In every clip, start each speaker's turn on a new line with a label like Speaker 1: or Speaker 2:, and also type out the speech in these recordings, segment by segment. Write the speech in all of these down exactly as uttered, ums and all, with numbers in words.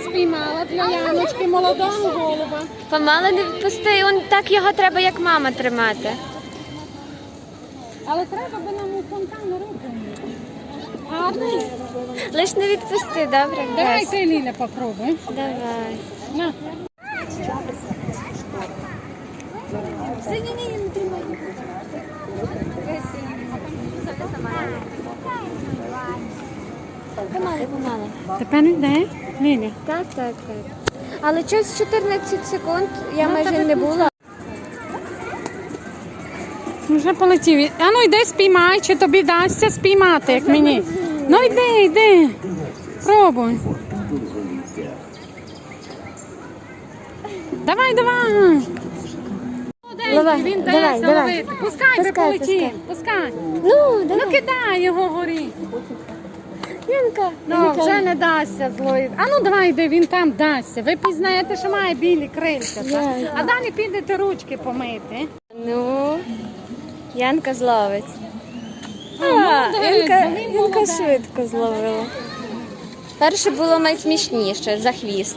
Speaker 1: спіймала для Яночки молодого голуба.
Speaker 2: Помало не відпусти, он так його треба, як мама, тримати.
Speaker 1: Але треба би нам у фонтан руку. Гарний.
Speaker 2: Лиш не відпусти, добре?
Speaker 1: Давай
Speaker 2: Гресь?
Speaker 1: ти, Ліля, попробуй.
Speaker 2: Давай.
Speaker 1: На.
Speaker 2: Ні-ні-ні, не тримай. Помало, помало.
Speaker 1: Тепер йде, Ліля.
Speaker 2: Так, так, так. Але щось чотирнадцять секунд я
Speaker 1: Ну,
Speaker 2: майже
Speaker 1: тебе
Speaker 2: не була.
Speaker 1: Вже полетів. А ну йди спіймай, чи тобі дасться спіймати, як мені. Ну йди, йди. Пробуй. Давай, давай.
Speaker 2: Давай,
Speaker 1: Він
Speaker 2: давай,
Speaker 1: дасть
Speaker 2: давай.
Speaker 1: ловити. Пускай,
Speaker 2: Пускай,
Speaker 1: би полетів. Пускай.
Speaker 2: Ну, давай.
Speaker 1: Ну кидай його горі.
Speaker 2: Янка.
Speaker 1: Ну,
Speaker 2: Янка.
Speaker 1: вже не дасться злої. А ну давай йди, він там дасться. Ви пізнаєте, що має білі крильця. Так?
Speaker 2: Я-
Speaker 1: А далі підете ручки помити.
Speaker 2: Ну, Янка зловить. А,
Speaker 1: молодець,
Speaker 2: Янка,
Speaker 1: він
Speaker 2: Янка
Speaker 1: молодець.
Speaker 2: швидко зловила. Перше було найсмішніше, за хвіст.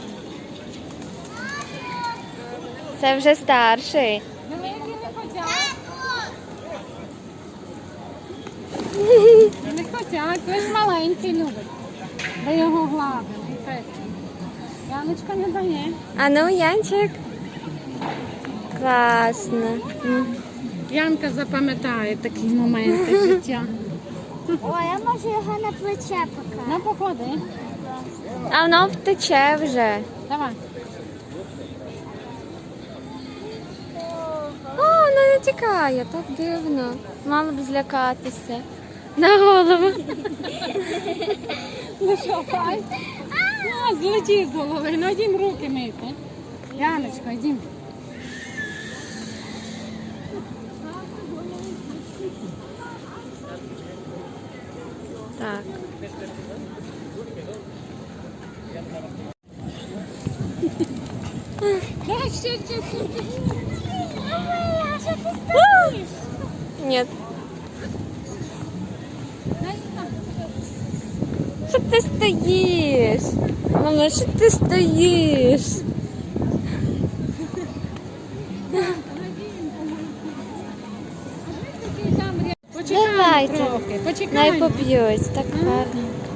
Speaker 2: Це вже старший.
Speaker 1: Великі не хотять. Не хотять, ви ж маленький любить. Ви його гладили. і пекли. Яночка не дає.
Speaker 2: А ну, Янчик. Класно. М.
Speaker 1: Янка запам'ятає такі моменти життя.
Speaker 3: Ой, я можу його на плече покласти.
Speaker 1: Ну, походи.
Speaker 2: А воно втече вже.
Speaker 1: Давай.
Speaker 2: О, воно не тікає, так дивно. Мало б злякатися. На голову.
Speaker 1: Ну що, хай? А, злетів з голови. Ну, йдім руки мити. Яночка, йдім.
Speaker 2: Так.
Speaker 1: Давай, ще, ще, ще, ще.
Speaker 3: А що ти стоїш?
Speaker 2: Ні. Що ти стоїш? Мама, що ти стоїш?
Speaker 1: Почекаємо
Speaker 2: Давайте.
Speaker 1: трохи,
Speaker 2: Най
Speaker 1: почекаємо.
Speaker 2: поп'ють, так гарно.